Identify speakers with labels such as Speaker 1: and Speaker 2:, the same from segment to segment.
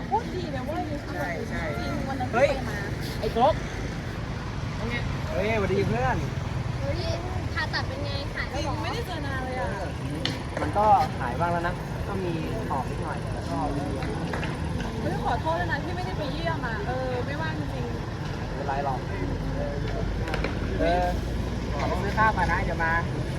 Speaker 1: โคตรดีเลยเว้ยใช่ใช่จริงวันนั้น
Speaker 2: เฮ้ย
Speaker 1: ไปมา
Speaker 2: ไอ้กบเฮ้ยสวัสดีเพื่อน
Speaker 3: เฮ้ยผ่าตัดเป็นไงหาย
Speaker 1: จ
Speaker 3: แล้ว
Speaker 1: ริง
Speaker 3: เหรอ
Speaker 1: ไม่ได้เจอนานเลยอ่ะ
Speaker 2: มันก็หายบ้างแล้วนะก็มีหอบนิดหน่อยแล้วก็มี
Speaker 1: ไม่ต้องขอโทษเลยนะที่ไม่ได้ไปเยี่ยมอ่ะไม่ว่างจริง
Speaker 2: ไม่เป็นไรหรอกขอไปซื้อข้าวมานะเดี๋ยวมา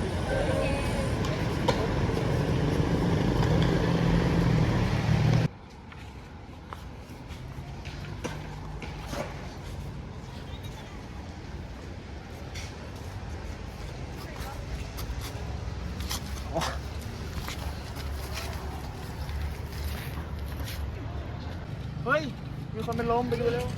Speaker 2: เฮ้ยมีคนเป็นลมไปดูเร็ว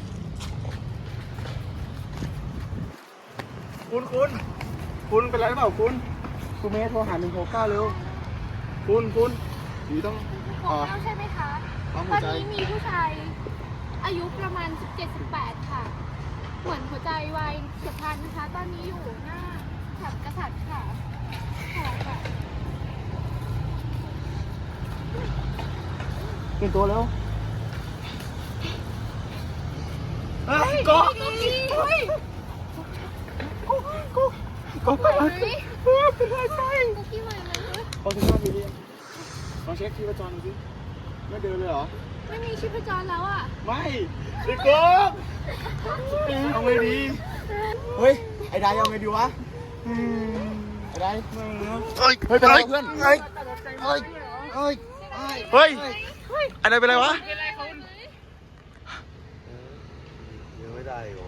Speaker 2: คุณเป็นไรหรือเปล่าคุณเมย์โทรหา169เร็วคุณอยู่ต้อง
Speaker 3: ของเราใช่ไหมคะ
Speaker 2: ปั๊ม
Speaker 3: ต
Speaker 2: หั
Speaker 3: อ
Speaker 2: วน ใจ
Speaker 3: นี้มีผู้ชายอายุประมาณ 17-18 ค่ะ เหมือนหัวใจวายเฉียบพลันนะคะ ตอนนี้อยู่หน้าแถบกษัตริย์ค่ะค่ะ
Speaker 2: เปลี่ยนตัวเร็วเฮ้ยกบกบไปเลยเป็นไรใช่
Speaker 3: กุ๊กกี้ใหม่ไหม
Speaker 2: ลองเช็คหน้าดูดิลองเช็คที่ประจรดูสิไม่เดินเลยเหรอ
Speaker 3: ไม่มีชีพจรแล้วอ่ะ
Speaker 2: ไม่ไอ้กบเอาไงดีเฮ้ยไอ้ได้เอาไงดีวะไอ้ได้เฮ้ยเป็นไรเพื่อนเฮ้ย
Speaker 4: อันนั้นเป็นไรวะ
Speaker 5: ยังไม่ได้หรอ